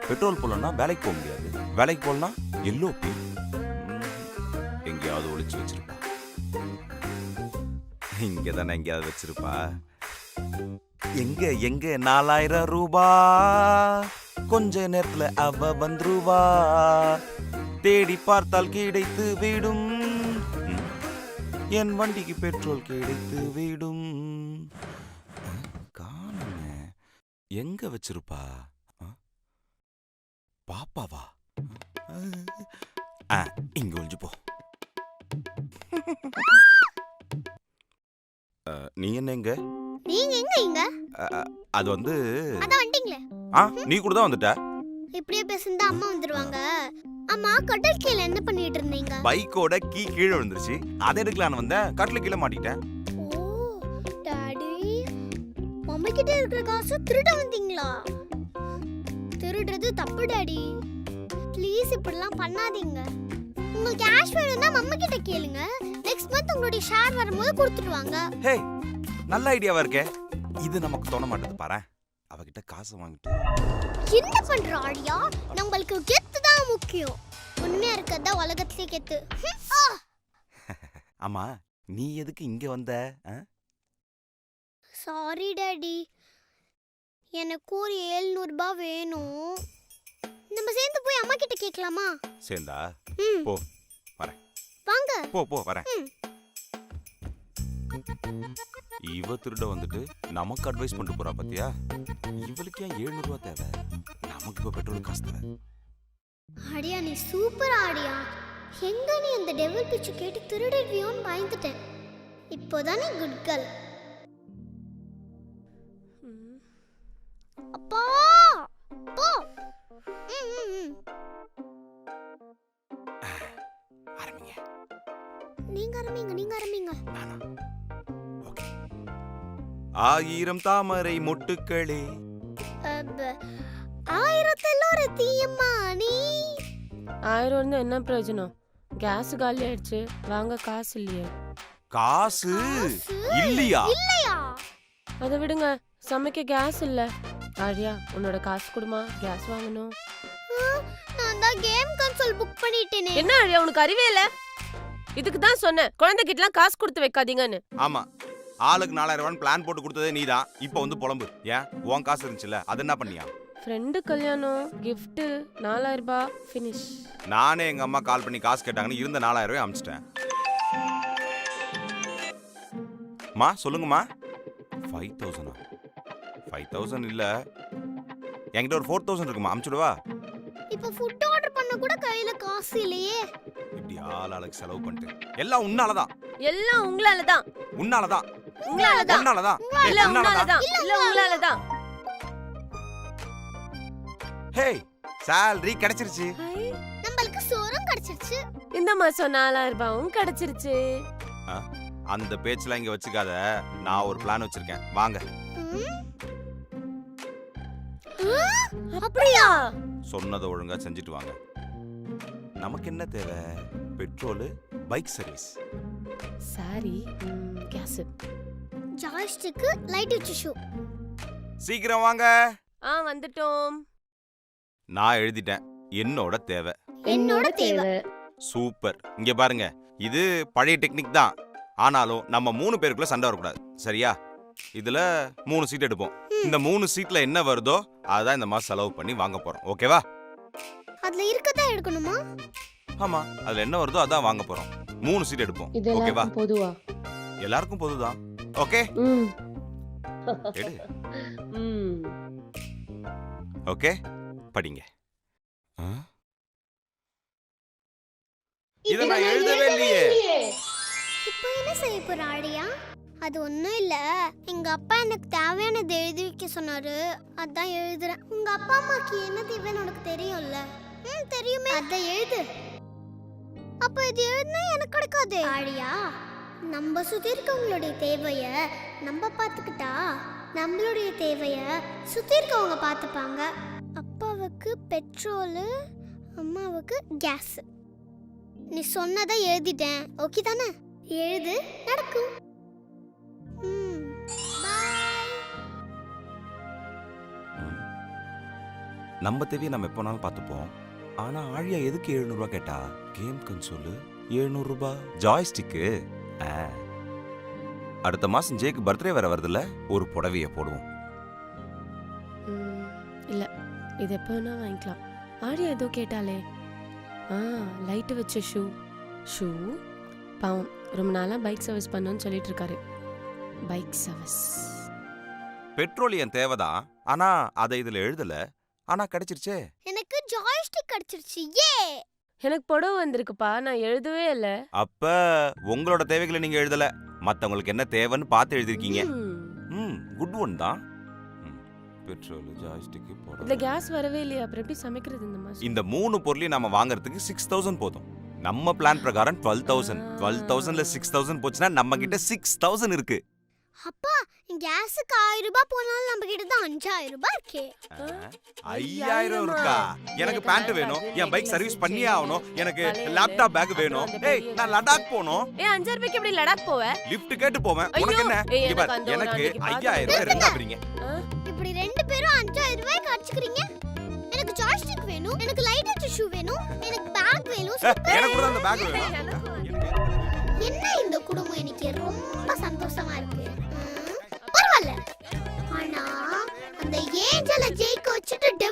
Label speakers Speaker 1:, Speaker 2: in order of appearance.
Speaker 1: Petrol போடலன்னா வேலைக்கு போக முடியாது, வேலைக்கு போகலன்னா எல்லோபி எங்கேயாவது ஒளிச்சு வச்சிருப்பா. இங்க தானே எங்கேயாவது வச்சிருப்பா. எங்க எங்க 4000 ரூபாய் கொஞ்ச நேரத்துல அவ வந்துருவா, தேடி பார்த்தால் கிடைத்து விடும், என் வண்டிக்கு பெட்ரோல் கிடைத்து விடும். காணுமே, எங்க வச்சிருப்பா? பாப்பாவா? இங்க ஒளிஞ்சு போ. நீ என்ன எங்க?
Speaker 2: நீங்க எங்க இங்க?
Speaker 1: அது வந்து
Speaker 2: அத வந்துட்டீங்களே.
Speaker 1: நீ கூட தான் வந்துட்ட.
Speaker 2: இப்படியே பேசினா அம்மா வந்துருவாங்க. அம்மா கடல் கீழ என்ன பண்ணிட்டு இருந்தீங்க?
Speaker 1: பைக்கோட கீழே விழுந்துருச்சு, அதை எடுக்கலான்னு வந்தேன், கட்டில கீழே மாட்டிட்டேன்.
Speaker 2: ஓ டாடி, மம்மி கிட்ட இருக்கிற காசு திருட வந்தீங்களா? திருடுறது தப்பு டாடி, ப்ளீஸ் இப்படிலாம் பண்ணாதீங்க. உங்களுக்கு கேஷ் வேணும்னா மம்மி கிட்ட கேளுங்க, நெக்ஸ்ட் மந்த் உங்களுடைய ஷேர் வரும்போது கொடுத்துடுவாங்க.
Speaker 1: ஹே, நல்ல ஐடியாவா இருக்கே. இது நமக்கு தோண மாட்டேது பாரு. அவகிட்ட காசு வாங்கிட்டு
Speaker 2: என்ன பண்ற ஆடியா? நம்மளுக்கு கெத்து தான் முக்கியம். உண்மையா இருக்கதா உலகத்திலே கெத்து.
Speaker 1: ஆமா, நீ எதுக்கு இங்க வந்த?
Speaker 2: சாரி டாடி, எனக்கு ஒரு 700 ரூபாய் வேணும். நம்ம சேர்ந்து போய் அம்மா கிட்ட கேட்கலாமா?
Speaker 1: சேர்ந்தா போ, வரேன்.
Speaker 2: வாங்க.
Speaker 1: போ போ, வரேன். இவ திருட வந்துட்டு நமக்கு அட்வைஸ் பண்ணிட்டு போறா பாத்தியா? இவளுக்கு ஏன் 700 ரூபாய் தேவை? நமக்கு இப்ப பெட்ரோல் காசு தேவை.
Speaker 2: ஆடியா, நீ சூப்பர் ஆடியா. எங்க நீ அந்த டெவில் பிச்சு கேட்டு திருடிடுவியோன்னு பயந்துட்டேன். இப்போதானே குட் கேர்ள். அப்பா போ.
Speaker 1: ஆரம்பிங்க.
Speaker 2: நீங்க ஆரம்பிங்க.
Speaker 1: ஓகே. 1000 தாமரை மொட்டுக்களே.
Speaker 2: 1000த்துல ஒரு தீயம்மா நீ.
Speaker 3: 1000 இருந்தா என்ன பிரயோஜனம்? கேஸ் காலி ஆயிடுச்சு, வாங்க காசு இல்லையே.
Speaker 1: காசு இல்லையா?
Speaker 3: அதை விடுங்க, சமைக்க கேஸ் இல்ல. ஆரியா, உன்னோட காசு கொடுமா, கேஸ் வாங்கணும்.
Speaker 2: நான் தான் கேம் கன்சோல் புக் பண்ணிட்டேனே.
Speaker 3: என்ன ஆரியா, உனக்கு அறிவே இல்ல? இதுக்கு தான் சொன்னேன், குழந்தைகிட்டலாம் காசு கொடுத்து வைக்காதீங்கன்னு.
Speaker 1: ஆமா, ஆளுக்கு 4000 ரூபாய் பிளான் போட்டு கொடுத்ததே நீதான். இப்போ வந்து புலம்பு. ஏன் உன் காசு இருந்துச்சுல, அது என்ன பண்ணியா?
Speaker 3: ஃப்ரெண்டு கல்யாணம், gift 4000 ரூபாய் ஃபினிஷ்.
Speaker 1: நானே எங்க அம்மா கால் பண்ணி காசு கேட்டாங்கன்னு இருந்த 4000 ரூபாய் அமிச்சிட்டேன். மா சொல்லுங்கம்மா. 5000? 5000 இல்ல, என்கிட்ட ஒரு 4000 இருக்குமா, அமிச்சுடுவா?
Speaker 2: இப்போ ஃபுட் ஆர்டர் பண்ண கூட கையில காசு இல்லையே.
Speaker 1: இப்படி ஆளாளுக்கு செலவு பண்ணிட்டு எல்லாம் உன்னாலதான்.
Speaker 3: எல்லாம் உங்களாலதான்.
Speaker 1: உன்னாலதான்.
Speaker 3: உங்களாலதான்.
Speaker 1: உன்னாலதான்.
Speaker 3: இல்ல உங்களாலதான். இல்ல உங்களாலதான்.
Speaker 1: ஹே, salary கிடைச்சிருச்சு.
Speaker 2: நம்மளுக்கு சோறும் கிடைச்சிருச்சு.
Speaker 3: இந்த மாசம் 4000 ரூபாயும் கிடைச்சிருச்சு.
Speaker 1: அந்த பேச்செல்லாம் இங்க வச்சுக்காத, நான் ஒரு பிளான் வச்சிருக்கேன், வாங்க.
Speaker 3: அப்படியா?
Speaker 1: சொன்னதை ஒழுங்கா செஞ்சுட்டு வாங்க. நமக்கு என்ன தேவை? Petrol, bike service.
Speaker 3: Sorry, gas.
Speaker 2: Joystick, light shoe.
Speaker 1: சீக்கிரம் வாங்க.
Speaker 3: வந்துட்டோம்.
Speaker 1: நான் எழுதிட்டேன், என்னோட தேவை.
Speaker 2: என்னோட தேவை.
Speaker 1: சூப்பர். இங்க பாருங்க, இது பழைய டெக்னிக் தான், ஆனாலும் நம்ம 3 பேருக்குள்ள சண்டை வரக்கூடாது, சரியா? இதுல 3 சீட் எடுப்போம். இந்த 3 சீட்ல என்ன வருதோ அதான் இந்த மாசம் செலவு பண்ணி வாங்க போறோம், ஓகேவா?
Speaker 2: அதுல இருக்கதா எடுக்கணுமா?
Speaker 1: ஆமா, அதுல என்ன வருதோ அதான் வாங்க போறோம். 3 சீட் எடுப்போம், ஓகேவா?
Speaker 3: பொதுவா
Speaker 1: எல்லாருக்கும் பொதுதான், ஓகே? எடு. ஓகே, படிங்க. இத நான் எழுதவே இல்லையே.
Speaker 2: இப்போ என்ன செய்ய போற ஆடியா? அது ஒண்ணும் இல்ல, எங்க அப்பா எனக்கு தேவையானது எழுதி வைக்க சொன்னாரு, அதான் எழுதுறேன். உங்க அப்பா அம்மாக்கு என்ன தேவைன்னு உனக்கு தெரியும்ல? தெரியுமே, அத எழுது. அப்ப இது எழுதுனா எனக்கு கிடைக்காது ஆடியா. நம்ம சுத்தி இருக்கவங்களுடைய தேவைய நம்ம பாத்துக்கிட்டா நம்மளுடைய தேவைய சுத்தி இருக்கவங்க பாத்துப்பாங்க. அப்பாவுக்கு பெட்ரோல், அம்மாவுக்கு கேஸ். நீ சொன்னதை எழுதிட்டேன், ஓகே தானே? எழுது, நடக்கும்.
Speaker 1: நம்ம தேவையை நம்ம எப்போனாலும் பார்த்துப்போம். ஆனா ஆழியா எதுக்கு 700 ரூபாய் கேட்டா? கேம் கன்சோலு 700 ரூபாய், ஜாய்ஸ்டிக்கு. அடுத்த மாசம் ஜேக்கு பர்த்டே வேற வருதுல்ல, ஒரு புடவைய போடுவோம்.
Speaker 3: இல்ல இது எப்போ வேணா வாங்கிக்கலாம். ஆரியா ஏதோ கேட்டாலே. லைட்டு வச்ச ஷூ பாவம் ரொம்ப நாளா பைக் சர்வீஸ் பண்ணணும்னு சொல்லிட்டு இருக்காரு. பைக் சர்வீஸ்
Speaker 1: பெட்ரோலியம் தேவைதான், ஆனா அதை இதுல எழுதல. ஆனா கிடைச்சிருச்சே.
Speaker 2: எனக்கு ஜாய்ஸ்டிக் கிடைச்சிருச்சு. ஏ
Speaker 3: எனக்கு புடவை வந்திருக்குப்பா, நான் எழுதவே இல்ல.
Speaker 1: அப்ப உங்களோட தேவைகளை நீங்க எழுதல, மத்தவங்களுக்கு என்ன தேவைன்னு பார்த்து எழுதிருக்கீங்க. குட் ஒன் தான். பெட்ரோல், ஜாய்ஸ்டிக்,
Speaker 3: இந்த
Speaker 1: போடுறது.
Speaker 3: கேஸ் வரவே இல்லையா, அப்புறம் எப்படி சமைக்கிறது இந்த மாசம்?
Speaker 1: இந்த 3 பொருளையும் நாம வாங்குறதுக்கு 6000 போதும். நம்ம பிளான் பிரகாரம் 12000. 12000ல 6000 போச்சுன்னா நம்ம கிட்ட 6000 இருக்கு.
Speaker 2: அப்பா கேஸுக்கு 1000 ரூபாய் போனாலும் நம்ம கிட்ட தான் 5000 ரூபாய் இருக்கே.
Speaker 1: 5000 இருக்கா? எனக்கு பேண்ட் வேணும், என் பைக் சர்வீஸ் பண்ணியே ஆகணும், எனக்கு லேப்டாப் பேக் வேணும். ஏய் நான் லடாக் போணும்.
Speaker 3: 5000 ரூபாய்க்கு எப்படி லடாக் போவ?
Speaker 1: லிஃப்ட் கேட்டு போவேன்.
Speaker 3: ஐயோ,
Speaker 1: உனக்கு என்ன?
Speaker 3: ஏய்,
Speaker 1: இங்க பாரு,
Speaker 3: எனக்கு அந்த ஒரு
Speaker 1: எனக்கு
Speaker 3: அன்னைக்கு
Speaker 1: 5000 ரூபாய் ரெண்டா பிரிங்க.
Speaker 2: இப்படி ரெண்டு பேரும் 5000 ரூபாய் காட்சிக்கிறீங்க. எனக்கு ஜாய்ஸ்டிக் வேணும், எனக்கு லைட் வச்ச ஷூ வேணும், எனக்கு பேக் வேணும்.
Speaker 1: எனக்கு கூட அந்த பேக் வேணும்.
Speaker 2: என்ன இந்த குடும்பம் எனக்கு ரொம்ப சந்தோஷமா இருக்கு. பரவாயில்ல. ஆனா அந்த ஏஞ்சல ஜெயிக்க வச்சுட்டு